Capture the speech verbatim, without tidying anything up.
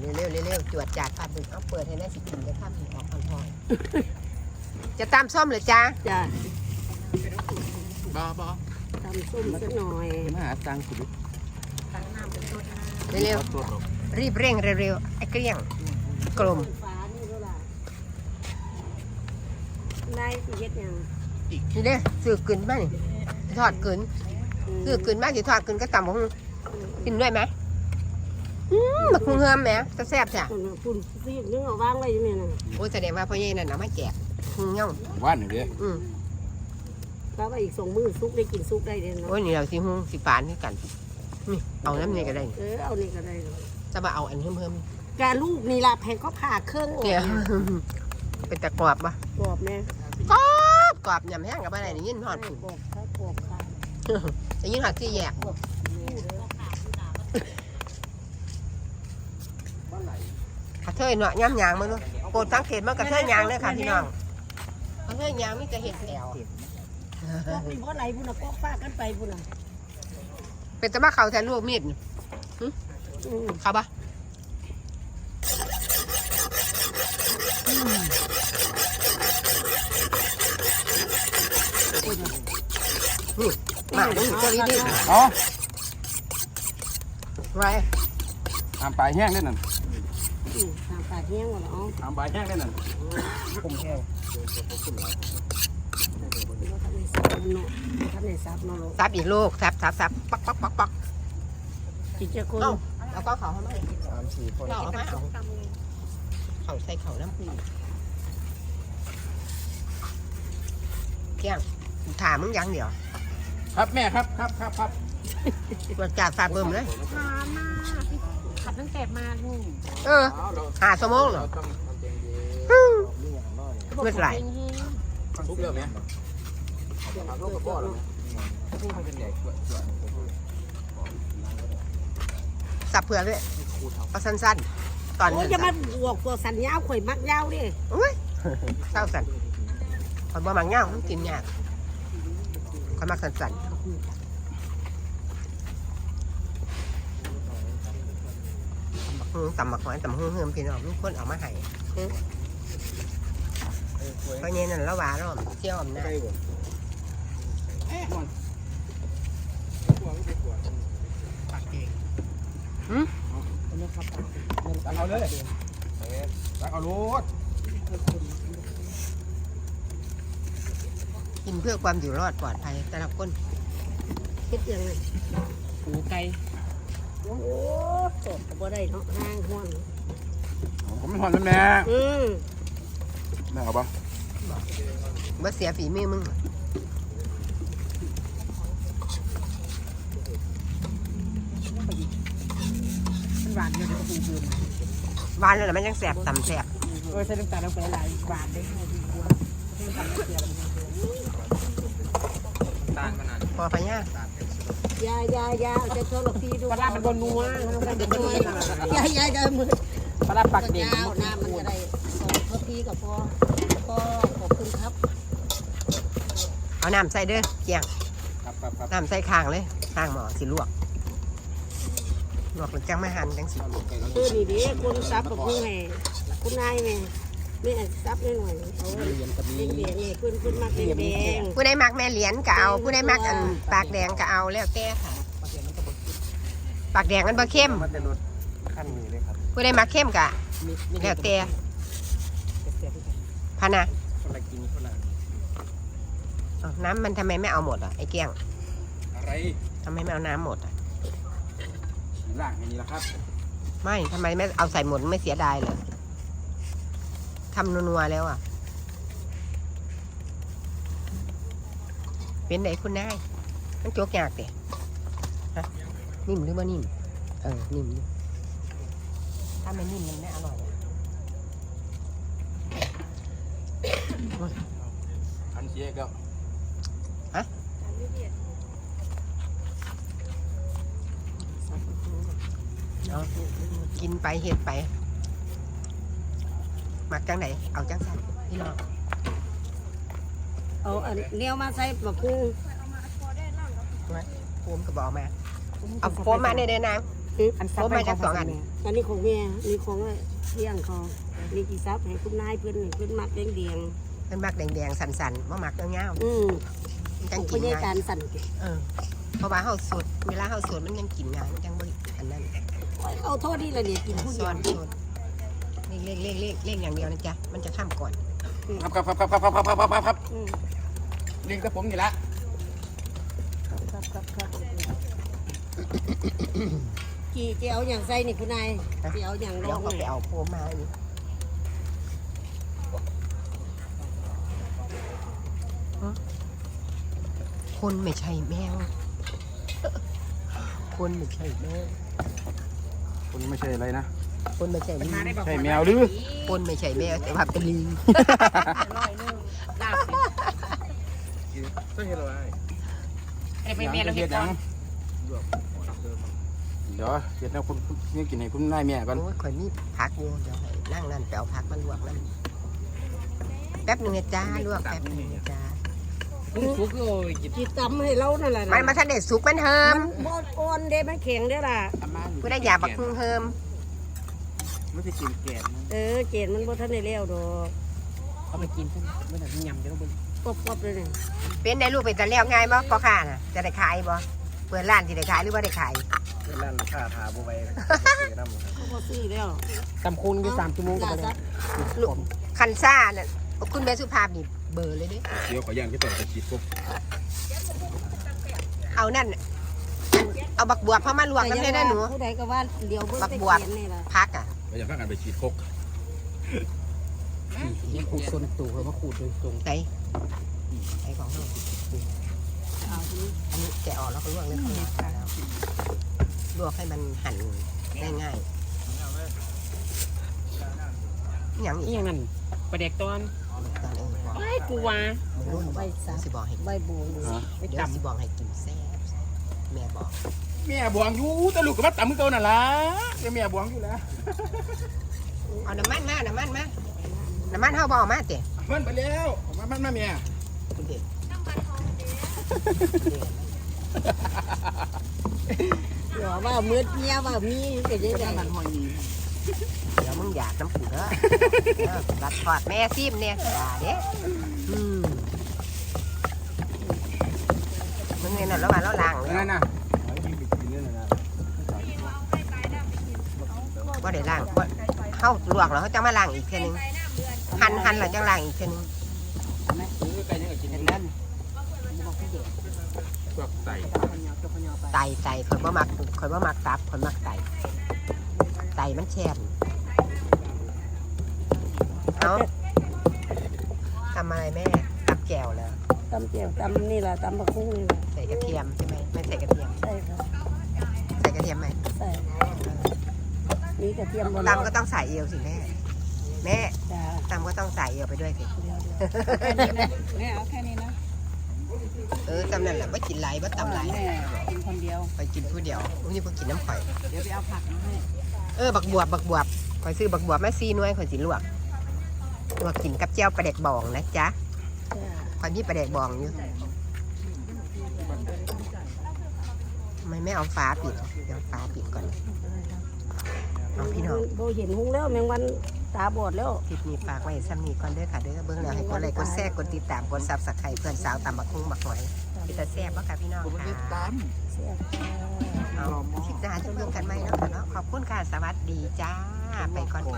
เร็วเร็วจวดจาดปลาบึกเอาเปิดให้ได้สิกินจะทำออกอ่อนๆจะตามส้มหรือจ้าจ้าบ้าบ้าตำส้มสักหน่อยมาหาตังค์สุดเร็วๆรีบเร่งเร็วๆไอ้เกลี้ยงกลมได้สิเฮ็ดยังนี่เด้ซื้อกึนบ้างทอดกึนซื้อกึนบ้างสิทอดกึนก็ตำบักหุ่งกินด้วยไหมบักหุ่งเฮิมไหมจะแซ่บจ้ะคุณซีดนึงเอาวางไว้ยังไงน่ะโอ้แสดงว่าพ่อใหญ่นั่นเอามาแจกหุ่งเงาว่านหนึ่งเดียวอืมแล้วก็อีกสองมือซุกได้กินซุกได้เด่นโอ้ยนี่เราสิหุ่งสิฝานนี่กันนี่เอาน้ำนี่ก็ได้เออเอานี่ก็ได้จะมาเอาอันเพิ่มเพิ่มกาลูกนี่ละแพงก็ผ่าเครื่องเนี่ยเป็นตะกรอบปะกรอบแม่กรอบกรอบยำแห้งกับอะไรนี่ยินหอดกรอบค่ะกรอบค่ะจะยินหอดที่แยกกระเทยเนาะย่ำยางมาดูโปรดสังเกตว่ากระเทยยางเลยค่ะพี่น้องกระเทยยางไม่จะเห็นแถวก็เป็นเพราะไหนบุญนะก็ฟาดกันไปบุญนะเป็นจะมาเขาแทนลูกมีดเขาปะนี่มาดูตัวนี้ดิอ๋อไรทำปลายแห้งได้นั่นทำปลาแห้งหมดแล้วทำปลายแห้งได้นั่นผมแห้งซับอีกลูกซับซับซับปักปักปักปักจิตเจ้าคนแล้วก็เขาทำไมสามสี่คนเขาไม่เอาเขาใส่เขาน้ำปูเกี่ยงถามมึงยังเดี๋ยวครับแม่ครับครับครับครับมาจากฝาเบิ่มเลยหามากขับตั้งแต่มาลูกเออหาสมองเหรอเมื่อไหร่ทุกเรื่องไหมลูกกับพ่อหรอสับเผื่อด้วยเอาสั้นๆตอนนี้จะมาบวกตัวสันยาวข่อยมักยาวดิโอ้ยเศร้าสันคอยบ่มักยาวต้องกินยากคอยมักสั้นๆตำหมักหอยตำหุ่งเฮิมพี่น้องมีคนเอามาให้เพราะงี้นั่นละหวานแล้วเที่ยวอำนาจหืมตักเอาเลยตักเอาลูกกินเพื่อความอยู่รอดปลอดภัยแต่ละคนคิดยังไงหูไก่โอ้ตกก็ได้เนาะห้างห้วนผมไม่ถอนแล้วแม่อืมแม่เอาปะบ่เสียฝีมือมึงหวานเลยปูเบือหวานเลยมันยังแสบต่ำแสบโอ้ยใส่น้ำตาลลงไปหลายหวานได้พอพะย่ายายายาจะโชว์หลอกทีดูปลามันบนนัวยายายายมือปลาปักเด็กน้ำมันจะได้สองเท่าทีกับพ่อพ่อขอบคุณครับเอาน้ำใส่เด้อเกี่ยงน้ำใส่ข้างเลยข้างหม้อสิลวกลวกหรือจังไม่หั่นจังสิเออนี่ดิคุณซับกับคุณแม่คุณนายแม่แม่ซับได้หน่อยเอาเลี้ยงเลี้ยงนี่คุณคุณมักเลี้ยงแดงผู้ใดมักแม่เหรียญก็เอาผู้ใดมักอันปากแดงก็เอาแล้วแต่ค่ะปากแดงมันบ่เข้มผู้ใดมักเข้มก็แล้วแต่พะนะน้ำมันทำไมไม่เอาหมดอ่ะไอ้เกี้ยงอะไรทำไมไม่เอาน้ำหมดอ่ะล่างอย่างนี้ละครับไม่ทำไมไม่เอาใส่หมดไม่เสียดายเลยทำนัวๆแล้วอ่ะเป็นไหนคุณนายมันโจกยากเด็ฮะนิ่มหรือว่านิ่มเออนิ่มถ้าไม่นิ่มมันไม่อร่อยอันเชียก็ฮะเอากินไปเห็ดไปมักจังไหนเอาจังสันพี่น้องเอาอันเลี้ยวมาใส่บะพุงโฟมกระบอกมาเอาโฟมมาในเดินนางอันโอ้มาจากสองอันอันนี้ของแม่นี่ของเลี้ยงเขานี่กี่ซับให้คุณนายเพื่อนเพื่อนมักเลี้ยงเดียงเป็นมักแดงๆสันๆบ่มักเงาอืมๆจังขกิอน งง่าการยสั่นเออเพราะว่าเฮาสดเวลาเฮาสดมันยังกินง่ายมันจังบ่อันนั้นเอาโทษที่ละเนี่ยกินผู้เดีซ้ยอวนสดเล่งเล่งเล่งเล่งอย่างเดียวนะจ๊ะมันจะข้ามก่อนครับครับครับครับครับครับครับครับครับอืมลิงกับผมนี่ละครับครับครับครับกี่เจียวอย่างใส่นี่คุณนายเจียวอย่างรแล้อวงก็ไปเนี่ยเอาโพมาอีกคนไม่ใช่แมว คนไม่ใช่แมวคุณไม่ใช่อะไรนะคนไม่ใช่ลิงใช่แมวหรือคนไม่ใช่แมวแต่ว่าเป็นลิงใช่เหรอไอ้ไปเมียเราเห็นก่อนเดี๋ยวเห็ดแล้วคุณนี่กินให้คุณนายแม่ก่อนโอ้ยข่อยมีผักอยู่เดี๋ยวให้นั่งนั่นแปลวผักมาลวกนั่นแป๊บหนึงนะจ้าลวกแป๊บหนึงนะจ้าลุงฟุกโอ้ยจิบจีตำให้เรานั่นแหละมันมาทันเด็ดสุกมันเฮิมัมนบดอ่อนเด้มันแข็งเด้อล่ะกูได้ยาบักพึ่งเฮิมไม่ใช่กินแกนเออเจนมันบ่ทันได้แล้วดอกเอาไปกินซะไม่ได้ยำจะต้องเป็นกรอบๆเลยเนี่ยเป็นได้ลูกเป็นตะเลี้ยวง่ายบ่พอค่าน่ะจะได้ขายบ่เปิดร้านที่ได้ขายหรือว่าได้ขายร้านค่าทาบุไว้น้ำเขาบ่ซื้อแล้วตำคูณอยู่สามชั่วโมงก็ลาไปซัได้บลูกคันซ่าน่ะคุณแม่สุภาพนี่เบอร์เลยเด้เดี๋ยวขอย่างที่ต่อไปฉีดปุ๊บเอานั่นเอาบักบวบเข้ามาลวกน้ำเลยนะหนูผู้ใดก็ว่าเดี๋ยวเบิ่งบักแต่บวบเขียนนี่ล่ะพักอ่ะก็อย่าพากันไปฉีดคกนี่ขูดส่วนตู่เขามาขูดโดยตรงไหนไอ้ของเราเอาทีนี้อันนี้แกะออกแล้วก็ลวกเลยค่ะลวกให้มันหั่นได้ง่ายอย่างนี่อีกอย่างนั้นประเด็กตอนตอนเองบอกไอ้กูว่ามึงรุ่นใบสามสิบอกให้ใบบัวนี่ไปเดี๋ยวจำสิบอกให้กินแซ่บแม่บอกแม่บวงอยู่แต่ลูกกับมัดต่ำมือเก่านั่นล่ะเดี๋ยวแม่บวงอยู่แล้วเอาน้ำมันมาน้ำมันมาน้ำมันเฮาบ่เอามาเตะมันไปแล้วมันมันมาแม่คุณเด็กเดี๋ยวว่ามืดเมียว่ามีก็จะได้มันหอยมีเดี๋ยวมึงอยากน้ำผูเด้อเออรัดทอดแม่ซิมเนี่ยอย่าเด้อืมมึงเห็นนั่นแล้วว่าเราล้างเลยนั่นน่ะยิงไปกินนั่นน่ะว่าได้ล้างบ่เฮาลวกแล้วเขาจะมาล้างอีกเทื่อนึงหั่นหั่นแล้วจังล้างอีกเทื่อนึงซื้อไปยังกินเห็นนั้นพวกใส่ไตไตข่อยบ่มักข่อยบ่มักตับข่อยมักไตไตมันแช่นเอาทำอะไรแม่ตับแก้วแล้วตำเจียวตำนี่ล่ะตำบักคุ้งนี่ล่ะใส่กระเทียมใช่ไหมไม่ใส่กระเทียมใช่ครับใส่กระเทียมไหมใส่มีกระเทียมบนตำก็ต้องใส่เอวสิแม่แม่จ้าตำก็ต้องใส่เอวไปด้วยสิเดี๋ยวเดี๋ยวแม่เอาแค่นี้นะเออตำนั่นแหละว่ากินไรว่าตำไรแม่กินคนเดียวไปกินผู้เดียวอุ้ยนี่พวกกินน้ำข่อยเดี๋ยวไปเอาผักมาให้เออบักบวบบักบวบข่อยซื้อบักบวบมาซีหน่วยข่อยสิลวกลวกกินกับเจียวปลาแดกบองนะจ๊ะจ้าข่อยมีปลาแดกบองอยู่ทำไมไม่เอาฟ้าปิดเดี๋ยวฟ้าปิดก่อนเอาพี่น้องโบเห็นหุงแล้วแมงวันตาบอดแล้วคลิปนี้ฝากไว้ซ้ำนี้ก่อนเด้อค่ะเด้อเบิ่งแล้วให้กดไลค์กดแชร์กดติดตามกดซับสไครต์เพื่อนสาวตำบักคุ้งบักหอยพี่ตาแซ่บบ่ค่ะพี่น้องค่ะเสียบจ้าเอาคลิปหน้าจะเรื่องกันไหมเนาะค่ะเนาะขอบคุณค่ะสวัสดีจ้าไปก่อน